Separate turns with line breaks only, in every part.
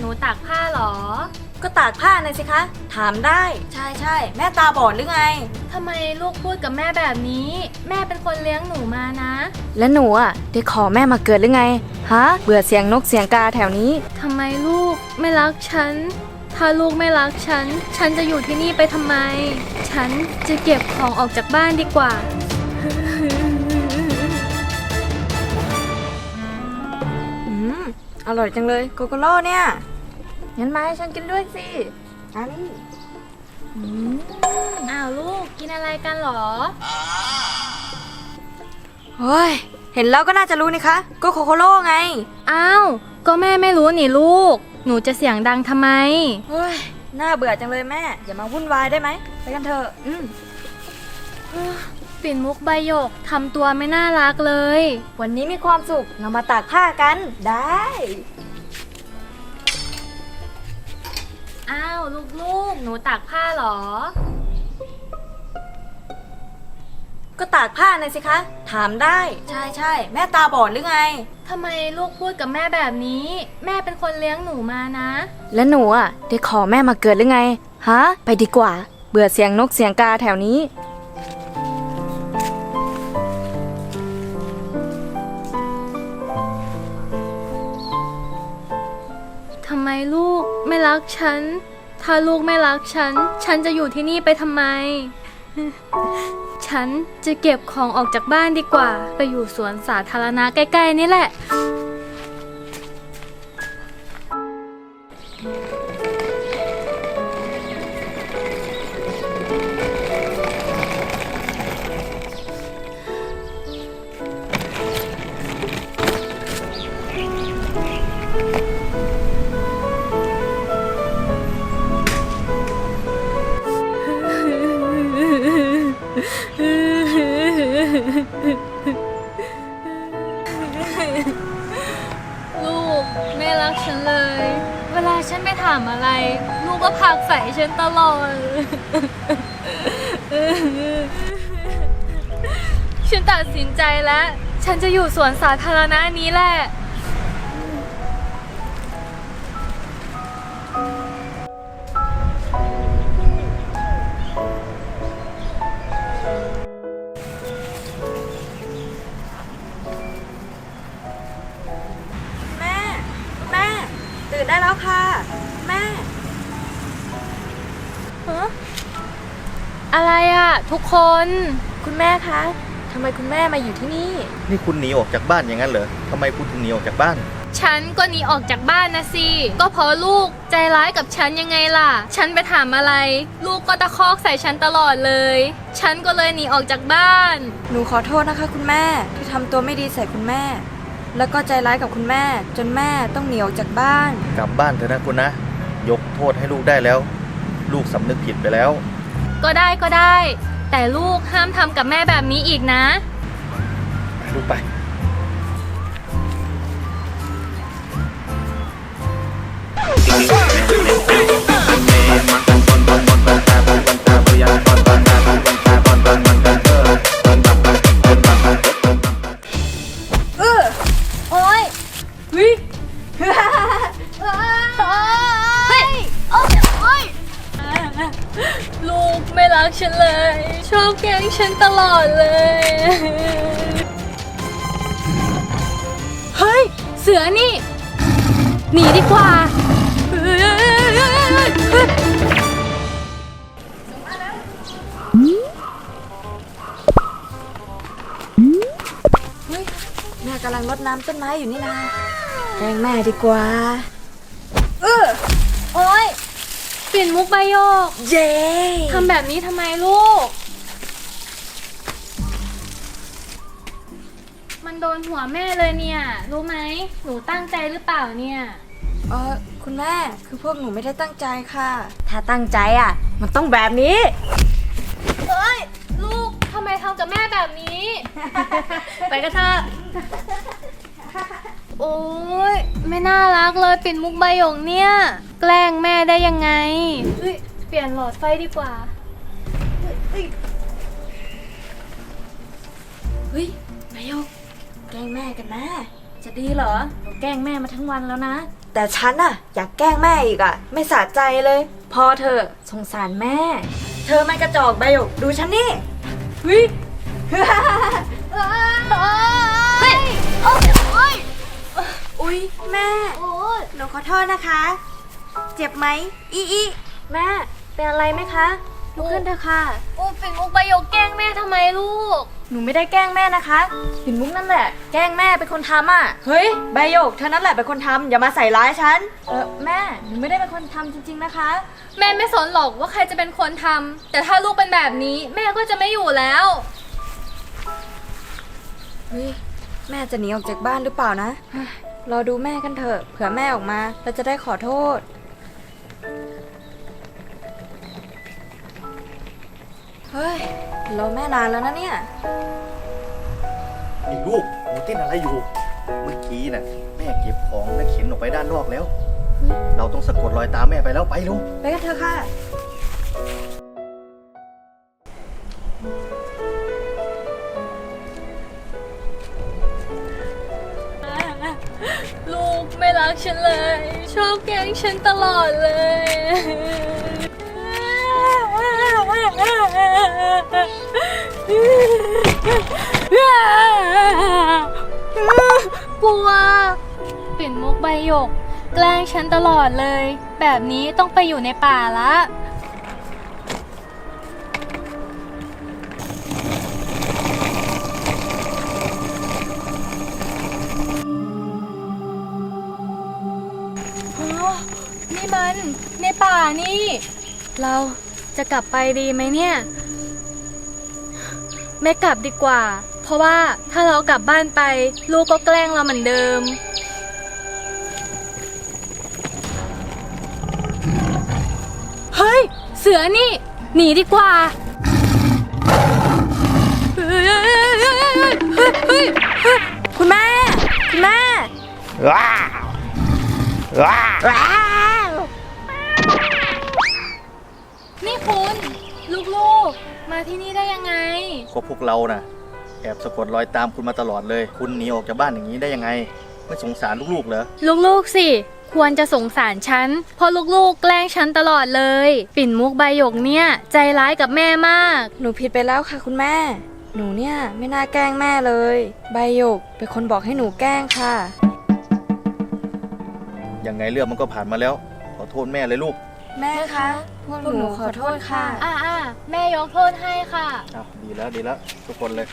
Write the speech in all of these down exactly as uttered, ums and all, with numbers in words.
นูตากผ้าเหรอ
ก็ตากผ้าน่ะสิคะถามได้ใช่ใช่แม่ตาบอดหรือไง
ทำไมลูกพูดกับแม่แบบนี้แม่เป็นคนเลี้ยงหนูมานะ
แล้วหนูอ่ะได้ขอแม่มาเกิดหรือไงฮะเบื่อเสียงนกเสียงกาแถวนี้
ทำไมลูกไม่รักฉันถ้าลูกไม่รักฉันฉันจะอยู่ที่นี่ไปทำไมฉันจะเก็บของออกจากบ้านดีกว่า
อืมอร่อยจังเลยโกโกโร่เนี่ยงั้นมาให้ฉันกินด้วยสิอันนี้
อ้าวลูกกินอะไรกันหรอ
เฮ้ยเห็นแล้วก็น่าจะรู้นี่คะก็โคโคโร่ไง
อ้าวก็แม่ไม่รู้นี่ลูกหนูจะเสียงดังทำไม
เฮ้ยน่าเบื่อจังเลยแม่อย่ามาวุ่นวายได้ไหมไปกันเถอะอืม
ปิ่นมุกใบหยกทำตัวไม่น่ารักเลย
วันนี้มีความสุขเรามาตากผ้ากันได้
อ้าวลูกๆหนูตากผ้าเหรอ
ก็ตากผ้าน่ะสิคะถามได้ใช่ใช่แม่ตาบอดหรือไง
ทำไมลูกพูดกับแม่แบบนี้แม่เป็นคนเลี้ยงหนูมานะ
แล้วหนูอ่ะได้ขอแม่มาเกิดหรือไงฮะไปดีกว่าเบื่อเสียงนกเสียงกาแถวนี้
ทำไมลูกไม่รักฉันถ้าลูกไม่รักฉันฉันจะอยู่ที่นี่ไปทำไมฉันจะเก็บของออกจากบ้านดีกว่าไปอยู่สวนสาธารณะใกล้ๆนี่แหละลูกไม่รักฉันเลยเวลาฉันไปถามอะไรลูกก็ผลักใส่ฉันตลอดฉันตัดสินใจแล้วฉันจะอยู่สวนสาธารณะนี้แหละ
ตื่นได้แล้วค่ะแม่
ฮะอะไรอ่ะทุกคน
คุณแม่คะทำไมคุณแม่มาอยู่ที่นี่
นี่คุณหนีออกจากบ้านอย่างนั้นเหรอทำไมคุณถึงหนีออกจากบ้าน
ฉันก็หนีออกจากบ้านนะสิก็เพราะลูกใจร้ายกับฉันยังไงล่ะฉันไปถามอะไรลูกก็ตะคอกใส่ฉันตลอดเลยฉันก็เลยหนีออกจากบ้าน
หนูขอโทษนะคะคุณแม่ที่ทำตัวไม่ดีใส่คุณแม่แล้วก็ใจร้ายกับคุณแม่จนแม่ต้องหนีออกจากบ้าน
กลับบ้านเถอะนะคุณนะยกโทษให้ลูกได้แล้วลูกสำนึกผิดไปแล้ว
ก็ได้ก็ได้แต่ลูกห้ามทำกับแม่แบบนี้อีกนะ
ลูกไป
เออโอ๊ยวิเฮ้
ยโอ๊ยลูกไม่รักฉันเลยชอบแกล้งฉันตลอดเลยเฮ้ยเสือนี่หนีดีกว่า
แม่กำลังรดน้ำต้นไม้อยู่นี่นาแกล้งแม่ดีกว่าเออโอ๊ย
ปิ่นมุกใบโยก
เย้
ทำแบบนี้ทำไมลูกมันโดนหัวแม่เลยเนี่ยรู้ไหมหนูตั้งใจหรือเปล่าเนี่ย
เออคุณแม่คือพวกหนูไม่ได้ตั้งใจค่ะถ้าตั้งใจอ่ะมันต้องแบบนี้
เอ้ยลูกทำไมทำกับแม่แบบนี้ ไปกันเถอะโอ้ยไม่น่ารักเลยปิ่นมุกใบหยกเนี่ยแกล้งแม่ได้ยังไงเฮ้ยเปลี่ยนหลอดไฟดีกว่า
เฮ้ยใบหยกแกล้งแม่กันนะจะดีเหรอเราแกล้งแม่มาทั้งวันแล้วนะแต่ฉันอะอยากแกล้งแม่อีกอะไม่สะใจเลย พอเธอะสงสารแม่ เธอมันกระจอกใบหยกดูฉันนี่เฮ้ย
เฮ้ย
อุ๊ยแม่หนูขอโทษนะคะ เจ็บไหมอีอีแม่เป็นอะไรไหมคะลุกขึ้นเถอะค่ะ
อูปิ่นมุกใบหยกแกล้งแม่ทำไมลูก
หนูไม่ได้แกล้งแม่นะคะปิ่นมุกนั่นแหละแกล้งแม่เป็นคนทำอ่ะเฮ้ยใบหยกเธอนั่นแหละเป็นคนทำอย่ามาใส่ร้ายฉันเออแม่หนูไม่ได้เป็นคนทำจริงๆนะคะ
แม่ไม่สนหรอกว่าใครจะเป็นคนทำแต่ถ้าลูกเป็นแบบนี้แม่ก็จะไม่อยู่แล้ว
เฮ้ยแม่จะหนีออกจากบ้านหรือเปล่านะเฮ้ยรอดูแม่กันเถอะเผื่อแม่ออกมาเราจะได้ขอโทษเฮ้ยรอแม่นานแล้วนะเนี่ย
ไอ้ลูกหนูเต้นอะไรอยู่ เมื่อกี้น่ะแม่เก็บของและเข็นออกไปด้านนอกแล้ว เราต้องสะกดรอยตามแม่ไปแล้วไปลูก
ไปกันเถอะค่ะ
ลูกไม่รักฉันเลย ชอบแกล้งฉันตลอดเลย กลัวปิ่นมุกใบหยก แกล้งฉันตลอดเลย แบบนี้ต้องไปอยู่ในป่าละ อ๋อ นี่มันในป่านี่ เราจะกลับไปดีไหมเนี่ย ไม่กลับดีกว่า เพราะว่าถ้าเรากลับบ้านไป ลูกก็แกล้งเราเหมือนเดิม เฮ้ย เสือนี่ หนีดีกว่าเฮ้ยเฮ้ยเฮ้ยเฮ้ยเฮ้ยเฮ้ย
คุณแม่คุณแม่
ว้าวว้าว
นี่คุณ ลูกๆ มาที่นี่ได้ยังไง
ก็พวกเราน่ะแอบสะกดรอยตามคุณมาตลอดเลย คุณหนีออกจากบ้านอย่างนี้ได้ยังไง ไม่สงสารลูกๆเหรอ
ลูกๆสิ ควรจะสงสารฉัน เพราะลูกๆ แกล้งฉันตลอดเลย ปิ่นมุกใบหยกเนี่ย ใจร้ายกับแม่มาก
หนูผิดไปแล้วค่ะคุณแม่ หนูเนี่ยไม่น่าแกล้งแม่เลย ใบหยกเป็นคนบอกให้หนูแกล้งค่ะ
ยังไงเรื่องมันก็ผ่านมาแล้ว ขอโทษแม่เลยลูก
แม่คะพวกหนูขอโทษค่ะ
อ่าอ่าแม่ยกโทษให้ค่ะ
อ้าวดีแล้วดีแล้วทุกคนเลย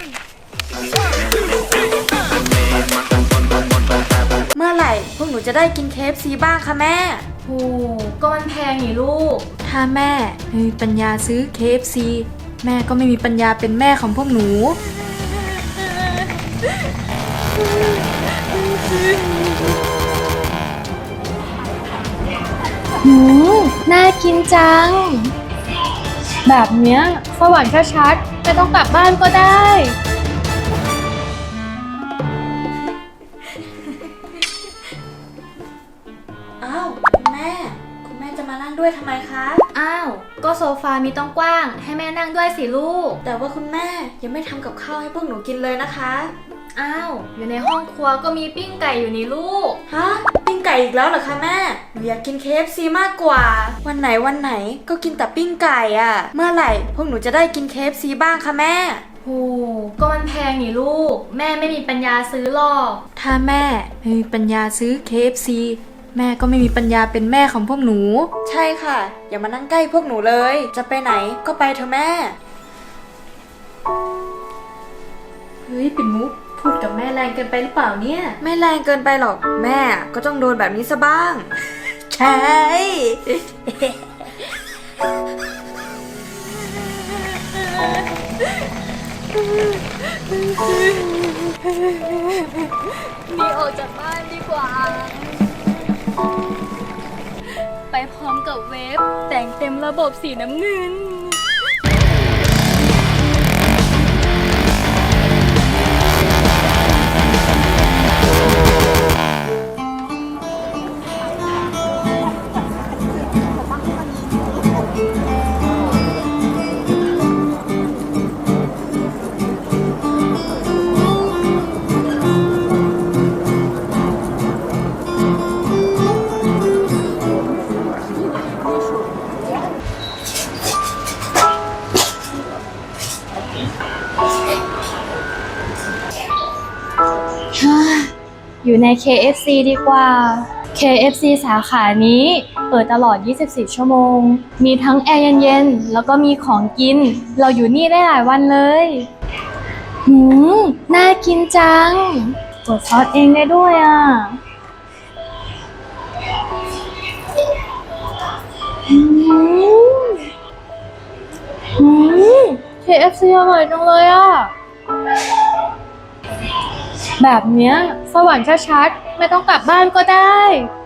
เมื่อไหร่พวกหนูจะได้กินเคฟซีบ้างคะแม่
โห ก็มันแพงนี่ลูก
ถ้าแม่ไม่มีปัญญาซื้อ เค เอฟ ซี แม่ก็ไม่มีปัญญาเป็นแม่ของพวกหนู
หืมน่ากินจัง แบบเนี้ยสวรรค์ชัดๆไม่ต้องกลับบ้านก็ได้
อ้าวคุณแม่ คุณแม่จะมานั่งด้วยทำไมคะ
อ้าว ก็โซฟามีต้องกว้าง ให้แม่นั่งด้วยสิลูก
แต่ว่าคุณแม่ยังไม่ทำกับข้าวให้พวกหนูกินเลยนะคะ
อ้าว อยู่ในห้องครัวก็มีปิ้งไก่อยู่นี่ลูก
ฮะปิ้งไก่อีกแล้วเหรอคะแม่ หนูอยากกิน เค เอฟ ซี มากกว่า วันไหนวันไหนก็กินแต่ปิ้งไก่อะเมื่อไหร่พวกหนูจะได้กิน เค เอฟ ซี บ้างคะแม่
โห ก็มันแพงนี่ลูก แม่ไม่มีปัญญาซื้อหรอก
ถ้าแม่ไม่มีปัญญาซื้อ เค เอฟ ซี แม่ก็ไม่มีปัญญาเป็นแม่ของพวกหนู ใช่ค่ะ อย่ามานั่งใกล้พวกหนูเลย จะไปไหนก็ไปเถอะแม่ เฮ้ยปิ่นมุกพูดกับแม่แรงเกินไปหรือเปล่าเนี่ย ไม่แรงเกินไปหรอกแม่ก็ต้องโดนแบบนี้ซะบ้าง ใช่
หนีออกจากบ้านดีกว่า ไปพร้อมกับเวฟแต่งเต็มระบบสีน้ำเงินอยู่ใน เค เอฟ ซี ดีกว่า เค เอฟ ซี สาขานี้เปิดตลอด ยี่สิบสี่ ชั่วโมง มีทั้งแอร์เย็นๆ แล้วก็มีของกิน เราอยู่นี่ได้หลายวันเลย หืม น่ากินจังกดซอสเองได้ด้วยอ่ะ หืม หืม เค เอฟ ซี อร่อยจังเลยอ่ะ แบบเนี้ยสวรรค์ชัดๆไม่ต้องกลับบ้านก็ได้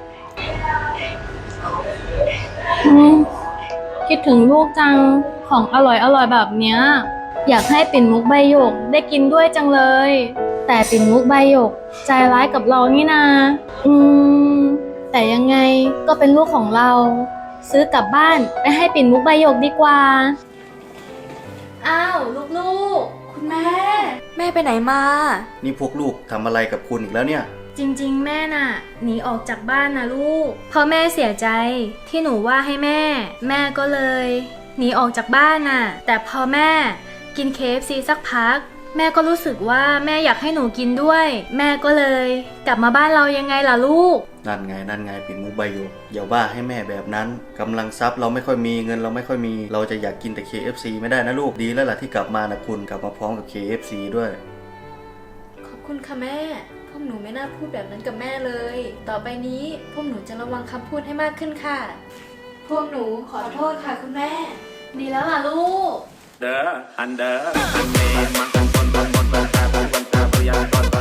อืมคิดถึงลูกจังของอร่อยอร่อยแบบเนี้ยอยากให้ปิ่นมุกใบหยกได้กินด้วยจังเลย แต่ปิ่นมุกใบหยกใจร้ายกับเรานี่นาอืมแต่ยังไงก็เป็นลูกของเรา ซื้อกลับบ้านไปให้ปิ่นมุกใบหยกดีกว่าอ้าวลูกๆคุณแม่
แม่ไปไหนมา
นี่พวกลูกทำอะไรกับคุณอีกแล้วเนี่ย
จริงๆ แม่น่ะหนีออกจากบ้านนะลูกเพราะแม่เสียใจที่หนูว่าให้แม่ แม่ก็เลยหนีออกจากบ้านน่ะแต่พอแม่กิน เค เอฟ ซี สักพัก แม่ก็รู้สึกว่าแม่อยากให้หนูกินด้วย แม่ก็เลยกลับมาบ้านเรายังไงล่ะลูก
นั่นไงนั่นไงปิ่นมุกใบหยกอย่าว่าให้แม่แบบนั้นกำลังทรัพย์เราไม่ค่อยมีเงินเราไม่ค่อยมีเราจะอยากกินแต่ เค เอฟ ซี ไม่ได้นะลูกดีแล้วล่ะที่กลับมานะคุณกลับมาพร้อมกับ เค เอฟ ซี ด้วย
ขอบคุณค่ะแม่ พวกหนูไม่น่าพูดแบบนั้นกับแม่เลย ต่อไปนี้พวกหนูจะระวังคำพูดให้มากขึ้นค่ะ พวกหนูขอโทษค่ะคุณแม่
ดีแล้วล่ะลูก
Dah, anda, ane, makan pon pon pon pon pon pon pon yang pon pon.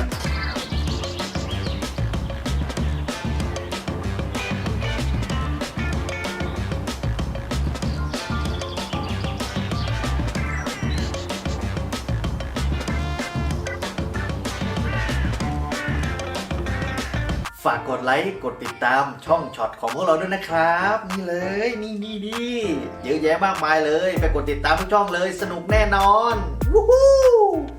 ฝากกดไลค์กดติดตามช่องช็อตของพวกเราด้วยนะครับ นี่เลยนี่นี่นี่เยอะแยะมากมายเลย ไปกดติดตามทุกช่องเลยสนุกแน่นอนวู้ฮู้